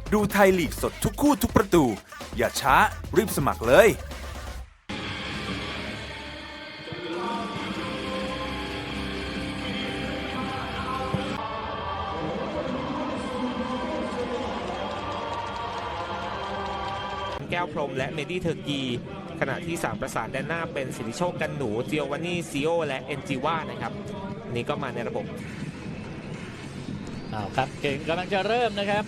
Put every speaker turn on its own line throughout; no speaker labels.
ดูไทยลีกสดทุกคู่ทุกประตู อย่าช้ารีบสมัครเลย
แก้วพรหมและเมดี้เทอร์กีขณะที่3ประสานแดนหน้าเป็นสิทธิโชคกันหนูเจียววานี่ซิโอและเอ็นจิว่านะครับนี่ก็มาในระบบ
ครับเก่งกำลังจะเริ่มนะครับ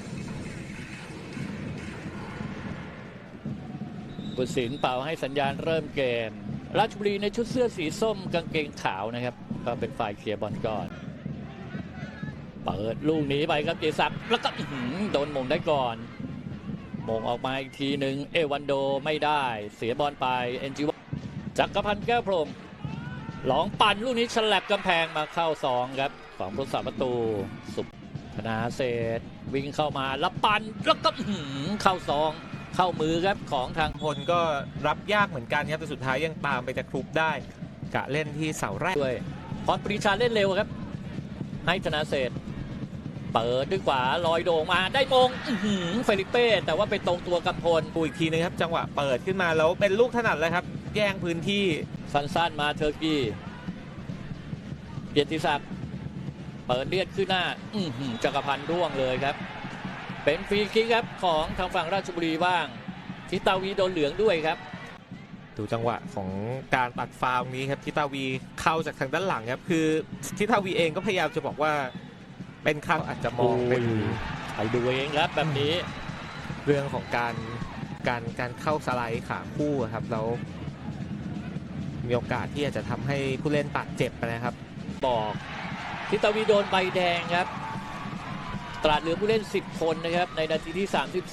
ผู้สินเป่าให้สัญญาณเริ่มเกมราชบุรีในชุดเสื้อสีส้มกางเกงขาวนะครับก็เป็นฝ่ายเคลียร์บอลก่อนเปิดลูกหนีไปครับเจสักแล้วก็โดนมงได้ก่อนมงออกมาอีกทีหนึ่งเอวันโดไม่ได้เสียบอลไปเอ็นจิวจักรพันธ์แก้วพรหมหลองปั่นลูกนี้ฉลับกำแพงมาเข้า2ครับของผู้รักษาประตูสุธนาเศษวิ่งเข้ามาแล้วปั่นแล้วก็เข้า2เข้ามือครับของทาง
พลก็รับยากเหมือนกันครับแต่สุดท้ายยังตามไปตะครุบได้กะเล่นที่เสาแรก
ด้วยพรปรีชาเล่นเร็วครับให้ธนาเศษเปิดด้วยขวาลอยโด่งมาได้มงเฟลิเป้แต่ว่าไปตรงตัวกับพล
อีกทีนึงครับจังหวะเปิดขึ้นมาแล้วเป็นลูกถนัดเลยครับแย่งพื้นที่
สั้นๆมาเทอร์กี้เกียรติศักดิ์เปิดเลียดขึ้นหน้าจักรพันธ์ร่วงเลยครับเป็นฟรีคิกครับของทางฝั่งราชบุรีบ้างทิตาวีโดนเหลืองด้วยครับ
ดูจังหวะของการตัดฟาวล์นี้ครับทิตาวีเข้าจากทางด้านหลังครับคือทิตาวีเองก็พยายามจะบอกว่าเป็นครั้งอาจจะมองเป็น
ไปดูเองครับแบบนี้
เรื่องของการเข้าสไลด์ขาคู่ครับแล้วมีโอกาสที่อาจจะทำให้ผู้เล่นบาดเจ็บไปนะครับ
บอกทิตาวีโดนใบแดงครับตราดเหลือผู้เล่น10คนนะครับในนาทีที่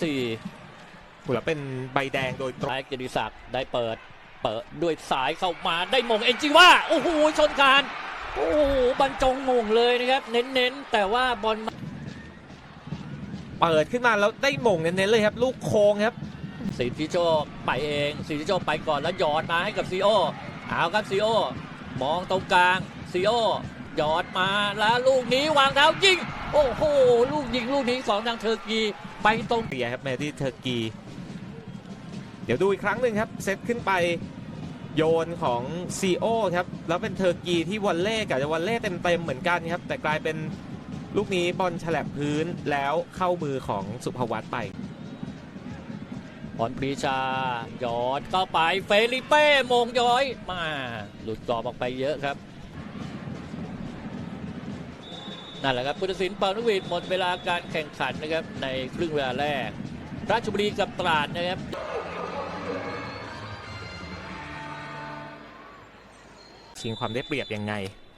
34
แล้วเป็นใบแดงโดยตรง
เกียรติศักดิ์ได้เปิดด้วยสายเข้ามาได้มงเอ็นจิว่าโอ้โหชนคานโอ้โหบรรจงมงเลยนะครับเน้นแต่ว่าบอล
เปิดขึ้นมาแล้วได้มงเน้นเลยครับลูกโค้งครับ
สิทธิโชคไปเองสิทธิโชคไปก่อนแล้วหยอดมาให้กับซีโอเอาครับซีโอมองตรงกลางซีโอหยอดมาแล้วลูกนี้วางเท้ายิงโอ้โหลูกยิงลูกนี้ของทางเทอร์กีไปตรง
เปียครับแมที่เทอร์กีเดี๋ยวดูอีกครั้งหนึ่งครับเซตขึ้นไปโยนของซีโอครับแล้วเป็นเทอร์กีที่วอลเล่กับวอลเล่เต็มเหมือนกันครับแต่กลายเป็นลูกนี้บอลฉลับพื้นแล้วเข้ามือของสุภวัตไป
พรปรีชาหยอดเข้าไปเฟลิเป้มงย้อยมาหลุดกรอบออกไปเยอะครับนั่นแหละครับผู้ตัดสินเป่านกหวีดหมดเวลาการแข่งขันนะครับในครึ่งเวลาแรกราชบุรีกับตราดนะครับ
ชิงความได้เปรียบยังไง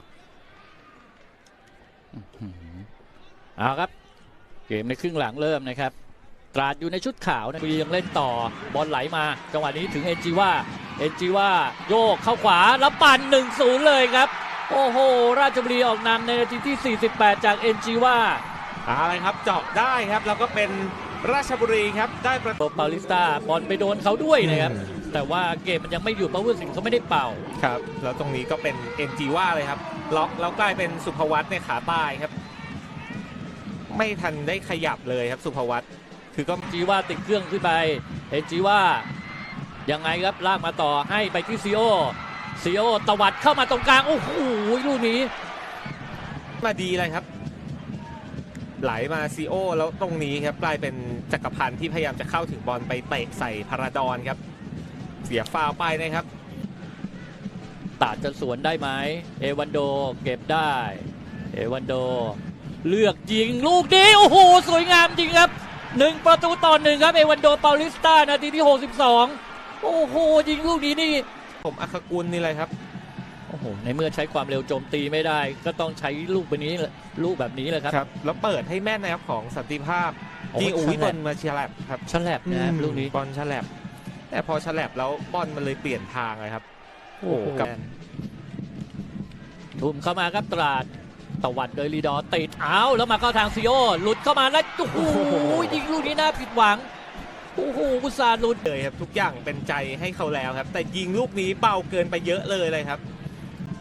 เอาครับเกมในครึ่งหลังเริ่มนะครับตราดอยู่ในชุดขาวนะยังเล่นต่อบอลไหลมาจังหวะนี้ถึงเอ็นจิว่าโยกเข้าขวาแล้วปั่น 1-0 เลยครับโอ้โหราชบุรีออกนำในนาทีที่48จากเอ็นจิว่า
อะไรครับเจาะได้ครับแล้วก็เป็นราชบุรีครับได้ประตู
ปาลิสตาบอลไปโดนเขาด้วยนะครับแต่ว่าเกมมันยังไม่หยุดเพราะผู้ตัดสินเขาไม่ได้เป่า
ครับแล้วตรงนี้ก็เป็นเอ็นจิว่าเลยครับล็อกแล้วกลายเป็นสุภวัตในขาใต้ครับไม่ทันได้ขยับเลยครับสุภวัตคือก็
จีว่าติดเครื่องขึ้นไปเอ็นจิว่ายังไงครับลากมาต่อให้ไปที่ซีโอตวัดเข้ามาตรงกลางโอ้โหลูกนี้
มาดีเลยครับไหลมาซีโอแล้วตรงนี้ครับกลายเป็นจักรพันธ์ที่พยายามจะเข้าถึงบอลไปเตะใส่พาราดอนครับเสียฟาวไปนะครับ
ตัดจะสวนได้ไหมเอวันโดเก็บได้เอวันโดเลือกยิงลูกนี้โอ้โหสวยงามจริงครับ1-1ครับเอวันโดเปาลิสตานาทีที่62โอ้โหยิงลูกนี้นี่
ผมอัคกุลนี่เลยครับ
โอ้โหในเมื่อใช้ความเร็วโจมตีไม่ได้ก็ต้องใช้ลูกแบบนี้แหละ
ครับแล้วเปิดให้แม่นนะครับของสันติภาพยิงอุ้ยบอลมาเชียร์แลบครับ
ฉลับนะลูกนี้
บอลฉลับแต่พอฉลับแล้วบอลมันเลยเปลี่ยนทางเลยครับโอ้กับ
ทุ่มเข้ามาครับตราดตวัดโดยลีดอติดแล้วมาเข้าทางซีโอหลุดเข้ามาแล้วโอ้โหยิงลูกนี้น่าผิดหวังโอ้โหอุตส่าห์หลุด
เลยครับทุกอย่างเป็นใจให้เขาแล้วครับแต่ยิงลูกนี้เบาเกินไปเยอะเลยครับ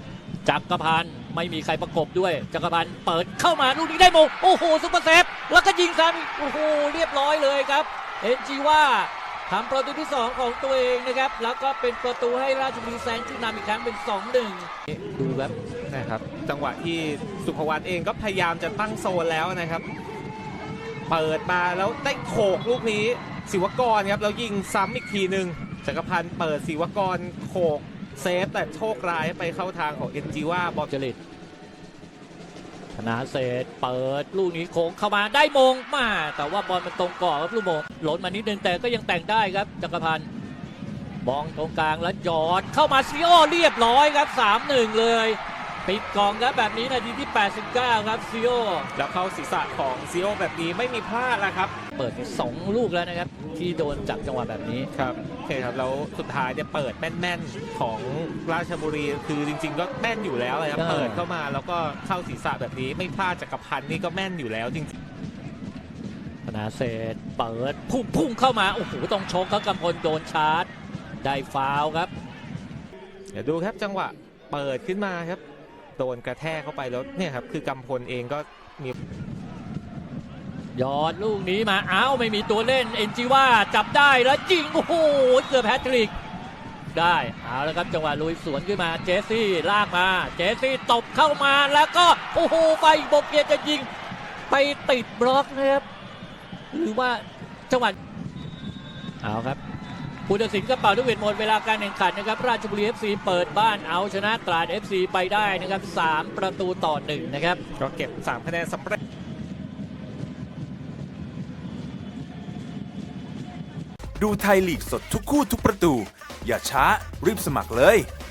จักรพันธ์ไม่มีใครประกบด้วยจักรพันธ์เปิดเข้ามาลูกนี้ได้มงโอ้โหซุปเปอร์เซฟแล้วก็ยิงซ้ำโอ้โหเรียบร้อยเลยครับเอ็นจีว่าทำประตูที่ 2 ของตัวเองนะครับแล้วก็เป็นประตูให้ราชบุรีแซงขึ้นนำอีกครั้งเป็น 2-1 ดูครับ
นะครับจังหวะที่สุภวัฒน์เองก็พยายามจะตั้งโซนแล้วนะครับ เปิดมาแล้วได้โขกลูกนี้ศิวกรครับแล้วยิงซ้ำอีกทีหนึ่งจักรพันธ์เปิดศิวกรโขกเซฟแต่โชคร้ายไปเข้าทางของเอ็นจีว่าบอล
จริตธนาเศษเปิดลูกนี้โค้งเข้ามาได้มงมาแต่ว่าบอลมันตรงกรอบครับลูกโมงหล่นมานิดนึงแต่ก็ยังแต่งได้ครับจักรพันธ์มองตรงกลางแล้วหยอดเข้ามาซีโอเรียบร้อยครับ 3-1 เลยปิดกล่องครับแบบนี้นาทีที่ 89 ครับซีโอ
แล้วเข้าศีรษะของซีโอแบบนี้ไม่มีพลาดแล้วครับ
เปิด2 ลูกแล้วนะครับที่โดนจากจังหวะแบบนี้
ครับโอเคครับแล้วสุดท้ายเนี่ยเปิดแม่นๆของราชบุรีคือจริงๆก็แม่นอยู่แล้วเลยครับ
ใช่
เปิดเข้ามาแล้วก็เข้าศีรษะแบบนี้ไม่พลาดจักรพันธ์นี่ก็แม่นอยู่แล้วจริง
ธนาเศษเปิดพุ่งเข้ามาโอ้โหต้องชกครับกำพลโดนชาร์จได้ฟาวล์ครับ
เดี๋ยวดูครับจังหวะเปิดขึ้นมาครับโดนกระแทกเข้าไปแล้วเนี่ยครับคือกำพลเองก็มี
ยอดลูกนี้มาอ้าวไม่มีตัวเล่นเอ็นจีว่าจับได้แล้วยิงโอ้โหเกือบแฮตทริกได้เอาแล้วครับจังหวะลุยสวนขึ้นมาเจสซี่ลากมาเจสซี่ตบเข้ามาแล้วก็โอ้โหไปบกเกียร์จะยิงไปติดบล็อกนะครับหรือว่าจังหวะเอาครับผู้ตัดสินก็เป่าลูกหวีดหมดเวลาการแข่งขันนะครับราชบุรี FC เปิดบ้านเอาชนะตราด FC ไปได้นะครับ3-1นะครับ
ก็เก็บ3คะแนนสำเร็จ
ดูไทยลีกสดทุกคู่ทุกประตู อย่าช้ารีบสมัครเลย